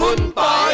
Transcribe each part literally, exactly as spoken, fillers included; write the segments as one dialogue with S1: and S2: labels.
S1: คุณปอย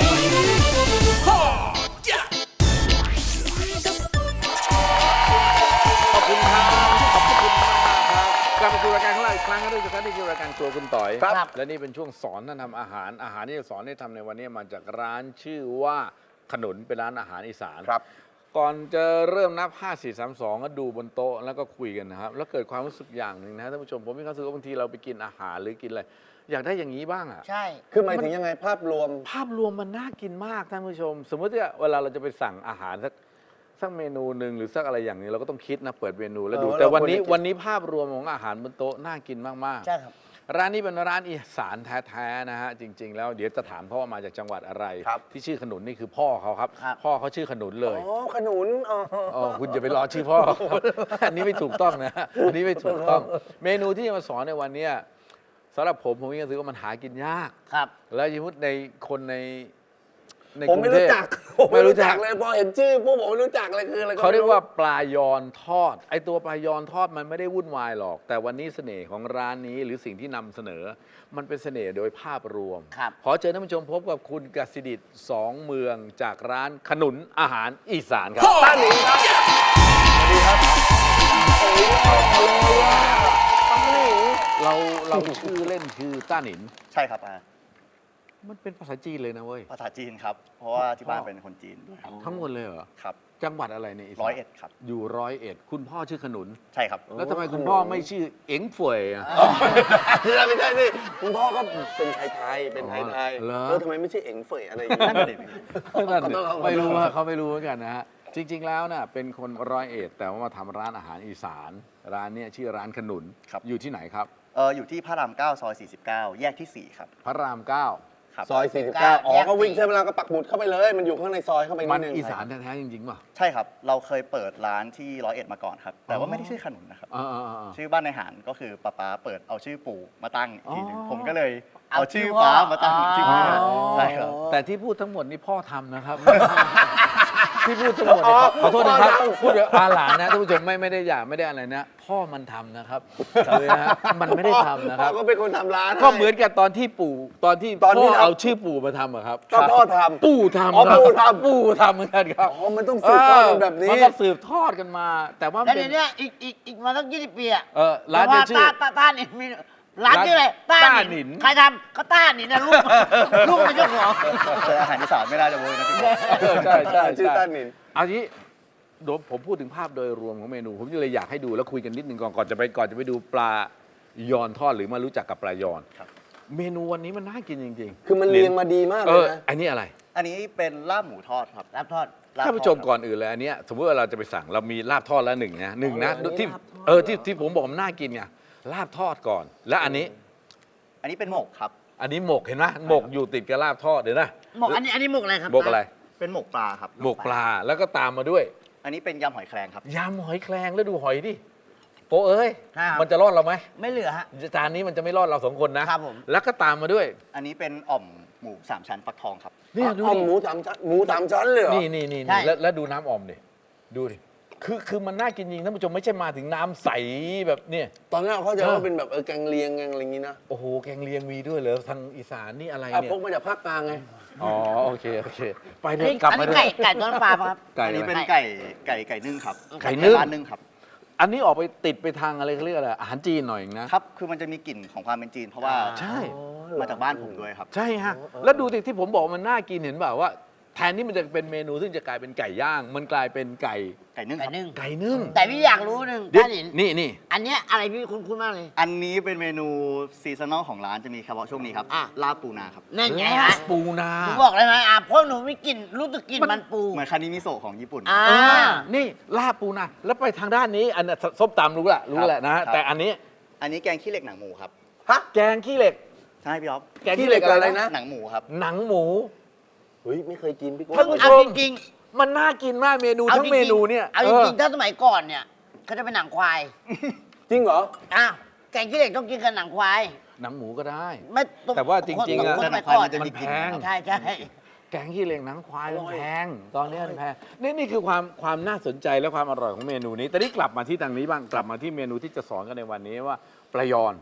S1: ขอบคุณครับขอบคุณมากครับกลับมาสู่รายการของเราอีกครั้งนะทุกท่านนี่คือรายการครัวคุณต่อยครับและนี่เป็นช่วงสอนท่านทำอาหารอาหารที่จะสอนให้ทำในวันนี้มาจากร้านชื่อว่าขนุนเป็นร้านอาหารอีสานครับก่อนจะเริ่มนับห้า สี่ สาม สองก็ดูบนโต๊ะแล้วก็คุยกันนะครับแล้วเกิดความรู้สึกอย่างหนึ่งนะท่านผู้ชมผมมีความรู้สึกว่าบางทีเราไปกินอาหารหรือกินอะไรอยากได้อย่างนี้บ้างอ่ะ
S2: ใช่
S3: คือหมายถึงยังไงภาพรวม
S1: ภาพรวมมันน่ากินมากท่านผู้ชมสมมติว่าเวลาเราจะไปสั่งอาหารสักสักเมนูหนึ่งหรือสักอะไรอย่างนี้เราก็ต้องคิดนะเปิดเมนูแล้วดูแต่วันนี้วันนี้ภาพรวมของอาหารบนโต๊ะน่ากินมากๆ
S2: ใช่ครับ
S1: ร้านนี้เป็นร้านอีสานแท้ๆนะฮะจริงๆแล้วเดี๋ยวจะถามพ่อว่ามาจากจังหวัดอะไรที่ชื่อขนุนนี่คือพ่อเขาครับพ่อเขาชื่อขนุนเลย
S3: อ๋อขนุน
S1: อ๋อคุณอย่าไปรอชื่อพ่ออันนี้ไม่ถูกต้องนะอันนี้ไม่ถูกต้องเมนูที่จะมาสอนในวันนี้สำหรับผมผมยังรู้สึกว่ามันหากินยาก
S2: ครับ
S1: แล้วยิ่งในคนในใน
S3: ผมไม่รู้จักผมไม่รู้จักเลยพอเห็นชื่อพวกผมไม่รู้จักเลยคืออะไร
S1: เขาเรียกว่าปลายอนทอดไอตัวปลายอนทอดมันไม่ได้วุ่นวายหรอกแต่วันนี้เสน่ห์ของร้านนี้หรือสิ่งที่นำเสนอมันเป็นเสน่ห์โดยภาพรวมขอเชิญท่านผู้ชมพบกับคุณกสิดิษฐ์สองเมืองจากร้านขนุนอาหารอีสานครับ
S3: ต้าหนิงครับสวัสดีครับโอ้ยต้าหนิง
S1: เราเราชื่อเล่นคือต้าหนิน
S4: ใช่ครับอ่า
S1: มันเป็นภาษาจีนเลยนะเว้ย
S4: ภาษาจีนครับเพราะว่าที่บ้านเป็นคนจีนด้วยครับ
S1: ทั้งหมดเลยเหรอ
S4: ครับ
S1: จังหวัดอะไรเนี่ย
S4: ร้อยเอ็ดครับ
S1: อยู่ร้อยเอ็ดคุณพ่อชื่อขนุน
S4: ใช่ครับ
S1: แล้วทำไมคุณพ่อไม่ชื่อเอ็งฝวยอ่ะ
S3: ไม่ใช่สิคุณพ่อก็เป็นไทยไทยเป็นไทยไทยเออทำไมไม่ใช่เอ็งเฟยอะไรอย่างเงี้ย
S1: ไม่รู้ว่าเขาไม่รู้เหมือนกันนะฮะจริงๆแล้วน่ะเป็นคนร้อยเอ็ดแต่ว่ามาทำร้านอาหารอีสานร้านนี้ชื่อร้านขนุนอยู่ที่ไหนครับ
S4: เอออยู่ที่พระรามเก้าซอยสี่สิบเก้าแยกที่สี่ครับ
S1: พระรามเก้า
S3: ซอยสี่สิบเก้าอ๋อก็วิ่งใช้เวลาก็ปักหมุดเข้าไปเลยมันอยู่ข้างในซอยเข้าไปนิดนึง
S1: มันอีสานแท้ๆจริงๆป่ะ
S4: ใช่ครับเราเคยเปิดร้านที่ร้อยเอ็ดมาก่อนครับแต่ว่าไม่ได้ชื่อขนุนนะครับชื่อบ้านในหารก็คือป้าป้าเปิดเอาชื่อปู่มาตั้งอีกทีนึงผมก็เลยเอาชื่อป้ามาตั้งชื่อใช่ครับ
S1: แต่ที่พูดทั้งหมดนี่พ่อทำนะครับที่พูดทั้งหมดขอโทษนะครับพูดอาหลานนะท่านผู้ชมไม่ไม่ได้อยากไม่ได้อะไรนะพ่อมันทำนะครับเลยนะมันไม่ได้ทำนะครับ
S3: ก็เป็นคนทำร้าน
S1: ก็เหมือนกับตอนที่ปู่ตอนที่พ่อเอาชื่อปู่มาทำอะครับ
S3: ก็พ่อทำ
S1: ปู่ทำ
S3: อ๋อปู่ทำ
S1: ปู่ทำเหมือนกันครับ
S3: อ๋อมันต้องสืบทอดกันแบบนี้
S1: มันก็สืบทอดกันมาแต่ว่า
S2: แล้วเนี้ยอีกอีกอีกมาตั้งยี่สิบปีอะ
S1: เออร้านจะชื่อ
S2: ต้าต้านี่มีร้านชื่ออะไรต้าหนินใครทำก็ต้าหนินนะลูกลูกเป็นเจ้าของ
S4: เจออาหารอีสานไม่ได้จะโวยนะพี่
S1: ใช่ใช่
S3: ชื่อต้าหนิน
S1: เอาทีเดี๋ยวผมพูดถึงภาพโดยรวมของเมนูผมเลยอยากให้ดูแล้วคุยกันนิดนึงก่อนก่อนจะไปก่อนจะไปดูปลายอนทอดหรือมารู้จักกับปลายอนเมนูวันนี้มันน่ากินจริง
S3: ๆคือมันเรียงมาดีมากเลยนะ
S1: อันนี้อะไร
S4: อันนี้เป็นลาบหมูทอดครับ
S2: ลาบทอด
S1: ท่านผู้ชมก่อนอื่นเลยอันนี้สมมติว่าเราจะไปสั่งเรามีลาบทอดแล้วหนึ่งนะหนึ่งนะที่เออที่ที่ผมบอกมันน่ากินไงลาบทอดก่อนแล้วอันนี้
S4: อันนี้เป็นหมกครับ
S1: อันนี้หมกเห็นไหมหมกอยู่ติดกับลาบทอดเดี๋ยวนะ
S2: หมกอันนี้อันนี้หมกอะไรครับ
S1: หมกอะไร
S4: เป็นหมกปลาครับ
S1: หมกปลาแล้วก็ตามมาด้วย
S4: อันนี้เป็นยำหอยแครงครับ
S1: ยำหอยแครงแล้วดูหอยดิโปเอ้ยมันจะรอดเราไหม
S2: ไม่เหลือฮะ
S1: จานนี้มันจะไม่รอดเราสองคนนะครับ
S2: ผม
S1: แล้วก็ตามมาด้วย
S4: อันนี้เป็นอ่อมหมูสามชั้นฟักทองครับ
S3: นี่ดูอ่อมหมูสามชั้นหมูสามชั้นเลยเหรอ
S1: นี่นี่นี่แล้วดูน้ำอ่อมดิดูดิคือคือมันน่ากินจริงท่านผู้ชมไม่ใช่มาถึงน้ำใสแบบเนี่ย
S3: ตอนแรกเขาจะว่าเป็นแบบเออแกงเลียงแกงอะไรอย่างงี้นะ
S1: โอ้โหแกงเลียงมีด้วยเหรอทางอีสานนี่อะไรเนี่ย
S3: พกมาจากภาคกลางไง
S1: อ๋อโอเคโอเคไปเลยกลับมา
S2: ด้วยไก่ไก่ต้นปลาครับ
S4: อันนี้เป็นไก่ไก่ไก่นึ่งครับ
S1: ไก่นึ่ง
S4: ร้านนึ่งครับ
S1: อันนี้ออกไปติดไปทางอะไรเขาเรียกอะไรอาหารจีนหน่อยนะครับ
S4: คือมันจะมีกลิ่นของความเป็นจีนเพราะว่า
S1: ใช่
S4: มาจากบ้านผมด้วยครับ
S1: ใช่ฮะแล้วดูสิที่ผมบอกมันน่ากินเห็นเปล่าว่าแทนที่มันจะเป็นเมนูซึ่งจะกลายเป็นไก่ย่างมันกลายเป็นไก่
S4: ไก่นึ่งไก่นึ่ง
S1: ไก่นึ่ง
S2: แต่พี่อยากรู้หนึ่งท่านเห็น
S1: นี่นี่
S2: อันเนี้ยอะไรพี่คุ้นๆมากเลย
S4: อันนี้เป็นเมนูซีซันนอลของร้านจะมีเฉพาะช่วงนี้ครับลาบปูนาครับ
S2: นั่นไงฮะ
S1: ปูนา
S2: ผมบอกเลยไหมอ่ะเพราะหนูไม่กินรู้สึกกินมันปู
S4: เหมือนคานิมิโซะของญี่ปุ่น
S2: อ่า
S1: นี่ลาบปูนาแล้วไปทางด้านนี้อันส้มตำรู้ละรู้แหละนะแต่อันนี้
S4: อันนี้แกงขี้เหล็กหนังหมูครับ
S1: ฮะแกงขี้เหล็ก
S4: ใช่พี่อ๊อฟ
S1: แกงขี้เหล็กอะไรนะ
S4: หนังหมูครับ
S1: หนังหมู
S3: เฮ้ยไม่เคยกินพี่กุ้ง
S1: ท่านผู้ชมจริงมันน่ากินมากเมนูทั้งเมนูเนี่ย
S2: เอาจริงๆถ้าสมัยก่อนเนี่ยเขาจะเป็นหนังควาย
S3: จริงเหรอ
S2: อ้าวแกงขี้เหล็กต้องกินกับหนังควาย
S1: หนังหมูก็ได้
S2: ไม่
S1: แต่ว่าจริงๆอะ
S2: หนังควายมันจะมี
S1: แพง
S2: ใช่ใช่
S1: แกงขี้เหล็กหนังควายมันแพงตอนนี้มันแพงนี่นี่คือความความน่าสนใจและความอร่อยของเมนูนี้แต่นี่กลับมาที่ทางนี้บ้างกลับมาที่เมนูที่จะสอนกันในวันนี้ว่าปลายอน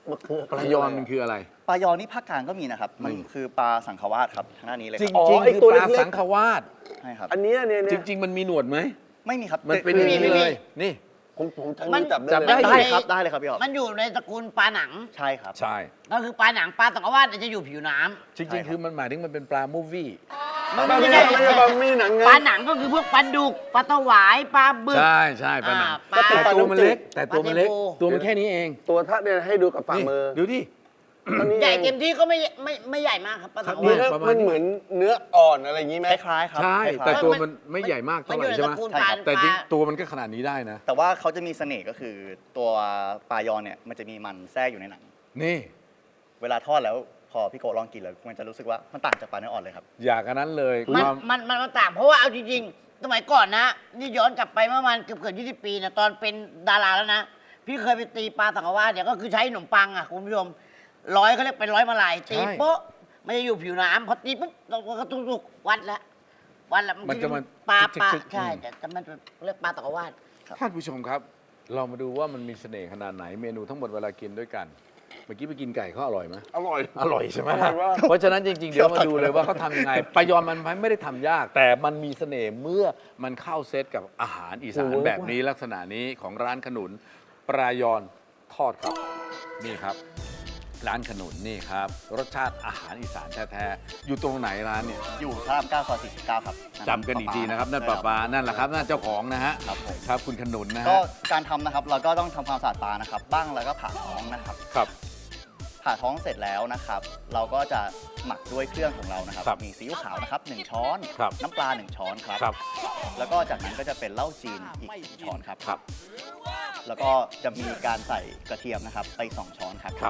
S3: มันคือ
S1: ปลายอนมันคืออะไร
S4: ปลายอนี่ภาคกลางก็มีนะครับ มันคือปลาสังขวาสครับทางด้านนี้เลย
S1: จ
S4: ค
S1: ริ
S4: รั
S1: ง
S4: บ
S1: จริง
S3: ไอ้
S1: คือ
S3: ตัว
S1: ป
S3: เล็
S1: ลาก
S3: ๆ
S1: สังขวาส
S4: ใช่ครับ
S3: อันเนี้ยเนี่ย
S1: จ
S3: เนี่ย
S1: ริง ๆ มันมีหนวดไหม
S4: ไม่มีครับ
S1: มันเป็นอย่างนี้เลย นี่
S3: ผมผมใช้
S2: มั
S3: มื
S2: น
S3: อจับได้
S1: จับ
S3: เลย
S1: ได้
S4: ได้ครับได้เลยครับพี่ออก
S2: มันอยู่ในตระกูลปลาหนัง
S4: ใช่ครับ
S1: ใช่
S2: ก็คือปลาหนังปลาตะกวาดเนี่ยจะอยู่ผิวน้ำ
S1: จริง ๆ คือมันหมายถึงมันเป็นปลามูฟวี่
S2: มัน
S3: มัน
S2: ไม่
S3: ไม่
S2: ใช่
S3: ใช่ไม่ใช่ปลามีหนังไง
S2: ปลาหนังก็คือพวกปลาดุกปลาตะหวายปลาบึก
S1: ใช่ใช่ปลาหนัง
S2: อ่าปลา
S1: แต่ตัวมันเล็ก แต่ตัวมันเล็ก
S2: ปลาเทโพ
S1: ตัวมันแค่นี้เอง
S3: ตัวท่าเนี่ยให้ดูกับฝ่า
S1: นี่
S3: มือ
S1: ดูดิ
S3: อันนี้
S2: ใหญ่
S3: เอง
S2: เต็มที่ก็ไม่ไม่ไม่ใหญ่มากครับปลาตะก
S3: นี่
S2: วาด
S3: นะ
S1: ประมาณ
S3: มันเหมือนเนื้ออ่อนอะไรอย่างนี้ไหม
S4: คล้ายๆครับ
S1: ใช่
S4: คล้ายๆ
S1: แต่ตัว
S2: มั
S1: มัน
S2: น
S1: ไม่ใหญ่มาก
S2: มั
S1: เท่าน ไห
S2: อยู่
S1: ร่
S2: ใน
S1: ใช่ไหม
S2: ตระกูล
S4: ใช่
S2: ปลา
S4: ครับ
S1: แต่จริง
S2: ปลา
S1: ตัวมันก็ขนาดนี้ได้นะ
S4: แต่ว่าเขาจะมีเสน่ห์ก็คือตัวปลายอนเนี่ยมันจะมีมันแทรกอยู่ในหนัง
S1: นี่
S4: เวลาทอดแล้วพอพี่โกลองกินแล้วมันจะรู้สึกว่ามันต่างจากปลาเนื้ออ่อนเลยครับ
S1: อยากอันนั้นเลย
S2: มัน
S1: ความ
S2: มันมันมันต่างเพราะว่าเอาจริงๆ สมัยก่อนนะ นี่ย้อนกลับไปเมื่อประมาณเกือบเกือบยี่สิบปีนะตอนเป็นดาราแล้วนะ พี่เคยไปตีปลาตะกวาดเนี่ยก็คือใช้ขนมปังอ่ะคุณผู้ชมร้อยเขาเรียกเป็นร้อยมาลายตีโป๊ะมันจะอยู่ผิวน้ำพอตีปุ๊บเราก็ตุกๆวัดแล้ววัดแล้ว
S1: มันจะมัน
S2: ปลาปลา
S1: ชึกๆ
S2: ใช่
S1: อืม
S2: แต่แต่มันเรียกปลาตะกวาด
S1: ท่านผู้ชมครับ เรามาดูว่ามันมีเสน่ห์ขนาดไหนเมนูทั้งหมดเวลากินด้วยกัน เมื่อกี้ไปกินไก่เขาอร่อยไหม
S3: อร่อย
S1: อร่อยใช่ไหม
S3: อร่อยมาก
S1: เพราะฉะนั้นจริง ๆ เดี๋ยวมาดูเลยว่าเขาทำยังไงปลายอนมันไม่ได้ทำยาก แต่มันมีเสน่ห์เมื่อมันเข้าเซตกับอาหารอีสานแบบนี้ลักษณะนี้ของร้านขนุนปลายอนทอดครับนี่ครับ ร้านขนุนนี่ครับ รสชาติอาหารอีสานแท้ๆอยู่ตรงไหนร้านเนี่ย
S4: อยู่พระรามเก้าซอยสี่สิบเก้าครับ
S1: จำกันอีกทีนะครับนั่นปลาปลานั่นแหละครับนั่นเจ้าของนะฮะ
S4: ครับผม
S1: ครับคุณขนุนนะ
S4: ก็
S1: ฮะ
S4: การทำนะครับเราก็ต้องทำความสะอาดปลานะครับ บ้างแล้วก็ผ่าท้องนะครับ
S1: ครับ
S4: ผ่าท้องเสร็จแล้วนะครับ เราก็จะหมักด้วยเครื่องของเรานะครับ
S1: ครับ
S4: มีซีอิ๊วขาวนะครับหนึ่งช้อน
S1: ครับ
S4: น้ำปลาหนึ่งช้อนครับ
S1: ครับ
S4: แล้วก็จากนั้นก็จะเป็นเหล้าจีนอีกหนึ่งช้อนครับ
S1: ครับ
S4: แล้วก็จะมีการใส่กระเทียมนะครับไปสองช้อนครับ
S1: ครับ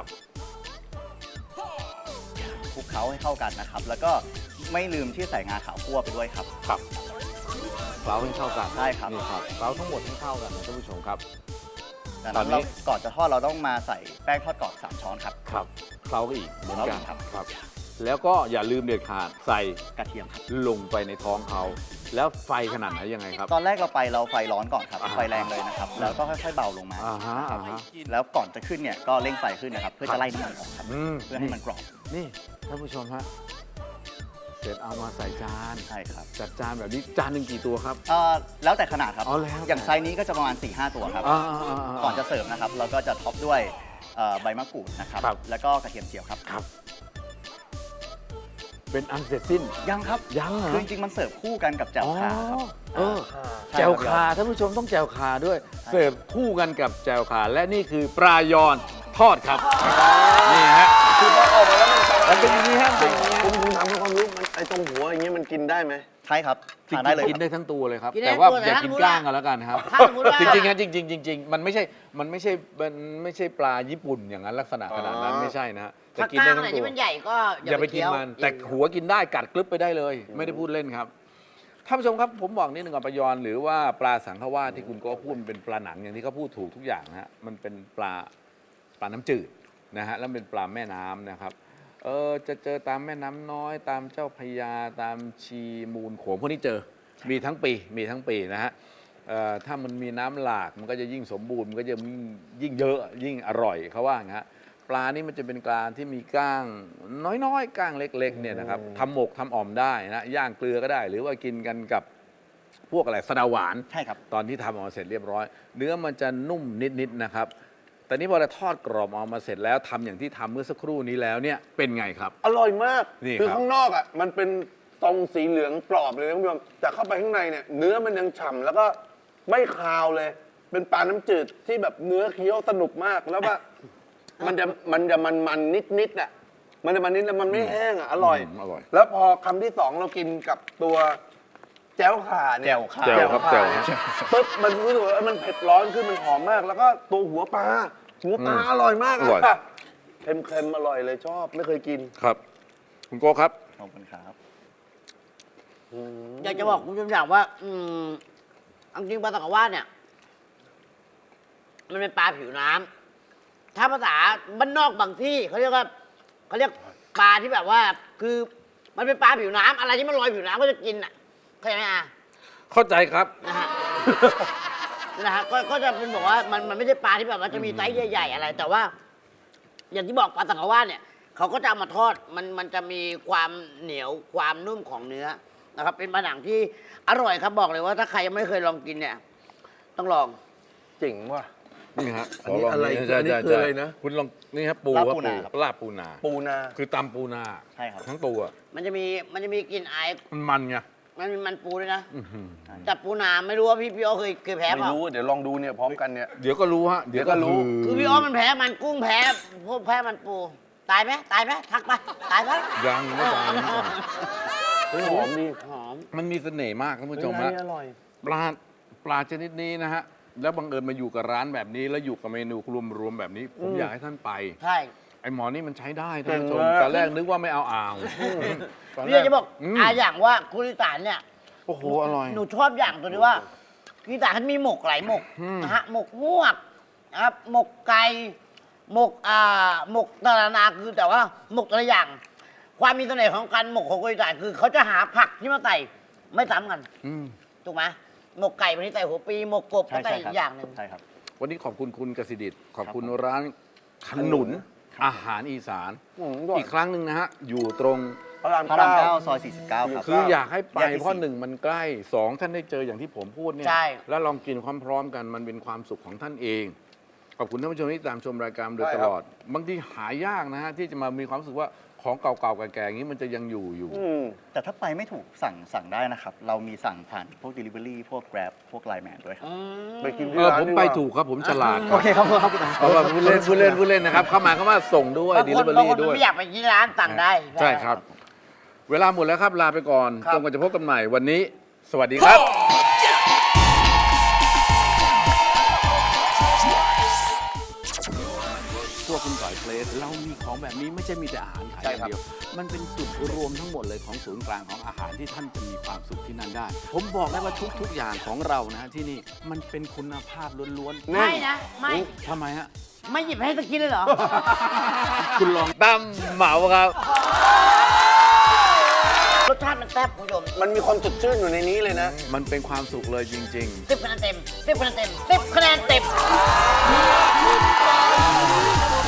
S4: คลุกเคล้าให้เข้ากันนะครับ แล้วก็ไม่ลืมที่ใส่งาขาวคั่วไปด้วยครับ
S1: ครับเคล้าให้เข้ากัน
S4: ใช่ครับ
S1: นี่ครับเคล้าทั้งหมดให้เข้ากันนะท่านผู้ชมครับ
S4: จาก
S1: ตอ
S4: นั้น น
S1: นี้
S4: เราก่อนจะทอดเราต้องมาใส่แป้งทอดกรอบสามช้อนครับ
S1: ครับเคล้าอีกเหมือนกัน
S4: ครับ
S1: ครับ แล้วก็อย่าลืมเด็ดขาดใส่
S4: กระเทียมครับ
S1: ลงไปในท้องเขาแล้วไฟขนาดไหนยังไงครับ
S4: ตอนแรกเราไปเราไฟร้อนก่อนครับ
S1: อ่า
S4: ไฟแรงเลยนะครับ แล้วก็ค่อยๆเบาลงมา
S1: อ่าฮะอ่าฮะ
S4: แล้วก่อนจะขึ้นเนี่ยก็เร่งไฟขึ้นนะครับ เพื่อจะไล่น้ำมันออกครับ
S1: อืม
S4: เพื่อให้มันกรอบ
S1: นี่ท่านผู้ชมฮะเสร็จเอามาใส่จาน
S4: ใช่ครับ
S1: จัดจานแบบนี้จานหนึ่งกี่ตัวครับ
S4: เอ่อแล้วแต่ขนาดครับ
S1: อ๋อแล้วแต่
S4: อย่างไซส์นี้ก็จะประมาณ สี่ห้า ตัวครับ
S1: อ่าอ่าอ่าอ่า
S4: ก่อนจะเสิร์ฟนะครับ เราก็จะท็อปด้วยเอ่อใบมะกรูดนะครับ
S1: ครับ
S4: แล้วก็กระเทียมเจียวครับ
S1: ครับ เป็นอันเสร็จสิ้น
S4: ยังครับ
S1: ยังเหรอ
S4: คือจริงๆมันเสิร์ฟคู่กันกับแจ่วขาครับ
S1: เออ
S4: ใช่
S1: แจว
S4: ครับ
S1: คาท่านผู้ชมต้องแจวคาด้วย
S4: ใช่
S1: เสิร์ฟคู่กันกับแจวคาและนี่คือปลายอนทอดครับ นี่ฮะ
S3: คือพอออกมาแล้วมัน
S1: มันเป็นอย่างนี้ฮะเป็นอย่างนี้
S3: ผมผมถามความรู้มันไอ้ตรงหัวอย่างเงี้ยมันกินได้ไหม
S4: ใช่ครับ
S1: จริง
S4: ทานได้เลย
S1: ๆกิน
S4: ครับ
S1: ได้ทั้งตัวเลยครับ
S2: กินได้
S1: แต่ว่า
S2: ทั้งตัว
S1: อย่า
S2: แต่
S1: กิน
S2: ถ้า
S1: กล้างกันแล้วกันครับ
S2: ถ้าสมมุติว่า
S1: จริงๆฮะจริงๆจริงๆมันไม่ใช่มันไม่ใช่มันไม่ใช่ปลาญี่ปุ่นอย่างนั้นลักษณะขนาดนั้น
S3: อ๋อ
S1: ไม่ใช่นะฮะแต่
S2: ถ้า
S1: กิน
S2: ก
S1: ได้
S2: ล้าง
S1: ทั้
S2: ไหน
S1: งตัว
S2: ที่มันใหญ่ก็
S1: อย่าไปกิน
S2: เคี้ยว
S1: มัน แต่หัวกินได้กัดกลึบไปได้เลย ไม่ได้พูดเล่นครับท่านผู้ชมครับผมบอกนิดหนึ่งก่อนปลายอนหรือว่าปลาสังขวาสที่คุณโก็พูดมันเป็นปลาหนังอย่างที่เขาพูดถูกทุกอย่างนะฮะมันเป็นปลาปลาน้ำจืดนะฮะแล้วเป็นปลาแม่น้ำนะครับเออจะเจอตามแม่น้ำน้อย ตามเจ้าพระยาตามชีมูลโขงพวกนี้เจอมีทั้งปีมีทั้งปีนะฮะเอ่อถ้ามันมีน้ำหลากมันก็จะยิ่งสมบูรณ์มันก็จะยิ่งยิ่งเยอะยิ่งอร่อยเขาว่าอย่างนั้น ปลานี่มันจะเป็นปลาที่มีก้างน้อยๆก้างเล็กๆเนี่ยนะครับทำหมกทำอ่อมได้นะย่างเกลือก็ได้ หรือว่ากินกันกับพวกอะไรสะเดาหวาน
S4: ใช่ครับ
S1: ตอนที่ทำออกมาเสร็จเรียบร้อย เนื้อมันจะนุ่มนิดๆนะครับแต่นี่พอเราทอดกรอบออกมาเสร็จแล้วทำอย่างที่ทำเมื่อสักครู่นี้แล้วเนี่ยเป็นไงครับ
S3: อร่อยมาก
S1: นี่
S3: คือ
S1: ครับ
S3: ข้างนอกอ่ะมันเป็นทรงสีเหลืองกรอบเลยนะคุณผู้ชมแต่เข้าไปข้างในเนี่ยเนื้อมันยังฉ่ำแล้วก็ไม่คาวเลย เป็นปลาน้ำจืดที่แบบเนื้อเคี้ยวสนุกมากแล้วว่ามันจะมันจะมันมันนิดนิดๆอ่ะมันจะมันนิดแล้วมันไม่แห้งอ่ะอร่อย
S1: มอร่อย
S3: แล้วพอคำที่สองเรากินกับตัวแจ่วข่าเนี่ย
S4: แจ่วข่า
S1: แจ่วครับแจ่ว
S3: เนี่ยปุ๊บมันรู้สึกว่าเอ้ยมันเผ็ดร้อนขึ้นมันหอมมาก แล้วก็ตัวหัวปลาหัวปลา
S1: อืม
S3: อร่อยมาก
S1: อร่อย
S3: อะเค็มๆอร่อยเลยชอบไม่เคยกิน
S1: ครับ คุณโก้ครับ
S4: ขอบคุณครับ
S2: อยากจะบอกคุณผู้ชมอย่างว่า อืมเอาจริงปลาตะกวาดเนี่ย มันเป็นปลาผิวน้ำถ้าภาษาบ้านนอกบางที่เขาเรียกว่าเขาเรียกปลาที่แบบว่า คือมันเป็นปลาผิวน้ำอะไรที่มันลอยผิวน้ำก็จะกินอ่ะเข้าใจไหมอ่ะ
S1: เข้าใจครับ
S2: นะฮะ นะฮะก็ก็จะเป็นบอกว่ามันมันไม่ใช่ปลาที่แบบว่าจะมีไซส์ใหญ่ๆอะไร แต่ว่าอย่างที่บอกปลาสังขวาเนี่ยเขาก็จะเอามาทอดมันมันจะมีความเหนียวความนุ่มของเนื้อนะครับ เป็นปลาหนังที่อร่อยครับบอกเลยว่าถ้าใครยังไม่เคยลองกินเนี่ย ต้องลอง
S3: เจ๋งว่ะ
S1: นี่ฮะ
S3: อันนี้
S1: ขลง
S3: อะไร
S1: ใช่
S3: อันนี้
S1: ใช่
S3: คืออะไรนะ
S1: คุณลองนี่ครับปู
S4: ลาบ
S1: ครับ
S4: ปูนาครับ
S1: ลาบปูนา
S3: ปูนา
S1: คือตำปูนา
S4: ใช่ครับ
S1: ทั้งตัว
S2: มันจะมีมันจะมีกลิ่นไอาย
S1: มันมันไง
S2: มันมีมันปูด้วยนะ
S1: อื้อหือ
S2: แต่ปูนาไม่รู้ว่าพี่พี่อ้อเคยเคยแพ้
S3: ไม่
S2: เปล่า
S3: รู้เดี๋ยวลองดูเนี่ยพร้อมกันเนี่ย
S1: เดี๋ยวก็รู้ฮะ
S3: เดี๋ยวก็รู้
S2: คือพี่อ้อมันแพ้มันกุ้งแพ้พวกแพ้มันปู ตายไหมตายไหมทักไปตายไหม
S1: ยังไม่ตายไม่ตาย
S3: เฮ้ยหอมดี
S2: หอม
S1: มันมีเสน่ห์มากท่านผู้ชม
S3: เฮ้ย
S1: ฮะ
S3: ร้านนี้อร่อย
S1: ปลาปลาชนิดนี้นะฮะ แล้วบังเอิญมาอยู่กับร้านแบบนี้ แล้วอยู่กับเมนูรวมๆแบบนี้ ผมอยากให้ท่านไป
S2: ใช่
S1: ไอ้หมอนี่มันใช้ได้ท่านผู้ชม
S3: เก่งมาก
S1: ตอนแรกนึกว่าไม่เอาอ่างตนแร
S2: พี่จะบอก
S1: ม
S2: อาอย่างว่าคุณอีสานเนี่ย
S1: โอ้โหอร่อย
S2: หนูชอบอย่างตัวนี้ว่าอีสานเขามีหมกหลายหมก
S1: อืม
S2: นะฮะหมกงวกนะครับหมกไก่หมกอ่าหมกตะนานาคือแต่ว่าหมกแต่ละอย่าง ความมีเสน่ห์ของการหมกของคนอีสานคือเขาจะหาผักที่มาใส่ไม่ซ้ำกัน
S1: อืม
S2: ถูกไหมหมกไก่วันนี้ใส่หัวปีหมกกบก็
S4: ใช่
S2: ใส่
S4: ใช่
S2: อี
S4: ครับ
S2: กอย่างหนึ่ง
S4: ใช่ครับ
S1: วันนี้ขอบคุณคุณกสิดิตขอบคุณ
S4: ครับผม
S1: ร้านขนุนอาหารอีสาน
S3: อืมอร่อย
S1: อีกครั้งหนึ่งนะฮะ อยู่ตรง
S3: พระราม
S4: พระราม
S3: เก้า
S4: เก้าซอยสี่สิบเก้าครับ
S1: คืออยากให้ไป
S4: แยกที่
S1: เพราะ
S4: สี่
S1: หนึ่งมันใกล้สองท่านได้เจออย่างที่ผมพูดเนี่ย
S2: ใช่
S1: แล้วลองกินความพร้อมกันมันเป็นความสุขของท่านเอง ขอบคุณท่านผู้ชมที่ตามชมรายการโดย
S3: ใช่
S1: ต
S3: ครับ
S1: ลอด บางทีหายากนะฮะ ที่จะมามีความรู้สึกว่าของเก่าๆแก่ๆอย่างนี้มันจะยังอยู่อยู่
S3: อืม
S4: แต่ถ้าไปไม่ถูกสั่งสั่งได้นะครับ เรามีสั่งผ่านพวก Delivery พวก Grab พวก Line Man ด้วยครับ
S2: อืม
S3: ไปกิน
S1: เอ
S3: ที่
S1: อ
S3: ร้าน
S1: ผม
S3: ดีก
S1: ไป
S3: ว่า
S1: ถูกครับผมฉลาด
S4: โอเคครับครับ
S1: เพราะว่าผู้เล่นผู้เล่นผู้เล่นนะครับ เข้ามาเข้ามาส่งด้วย
S2: บาง
S1: ดี
S2: ค
S1: ลิ
S2: น
S1: เวอบ
S2: าง
S1: รี่
S2: คน
S1: ด้วย
S2: ไม่อยากไปที่ร้านสั่งได้
S1: ใช่ครับ เวลาหมดแล้วครับลาไปก่อน
S3: ครับ
S1: จนกว่าจะพบกันใหม่วันนี้ สวัสดีครับ พวกคุณต่อยเพลสเรามีของแบบนี้ไม่ใช่มีแต่อาหารขายอย่างเดียว มันเป็นจุดรวมทั้งหมดเลยของศูนย์กลางของอาหารที่ท่านจะมีความสุขที่นั่นได้ ผมบอกได้ว่าทุก ๆ อย่างของเรานะฮะที่นี่มันเป็นคุณภาพล้วน
S2: ไม่นะ ไม่
S1: ๆทำไมฮะ
S2: ไม่หยิบให้สักกินเลยเหรอ
S1: คุณลองตั้มเหมาครับ
S2: รสชาติมันแซ่บคุณผู้ชม
S3: มันมีความสดชื่นอยู่ในนี้เลยนะ
S1: มันเป็นความสุขเลยจริง ๆ
S2: สิบคะแนนเต็มสิบคะแนนเต็มสิบคะแนนเต็ม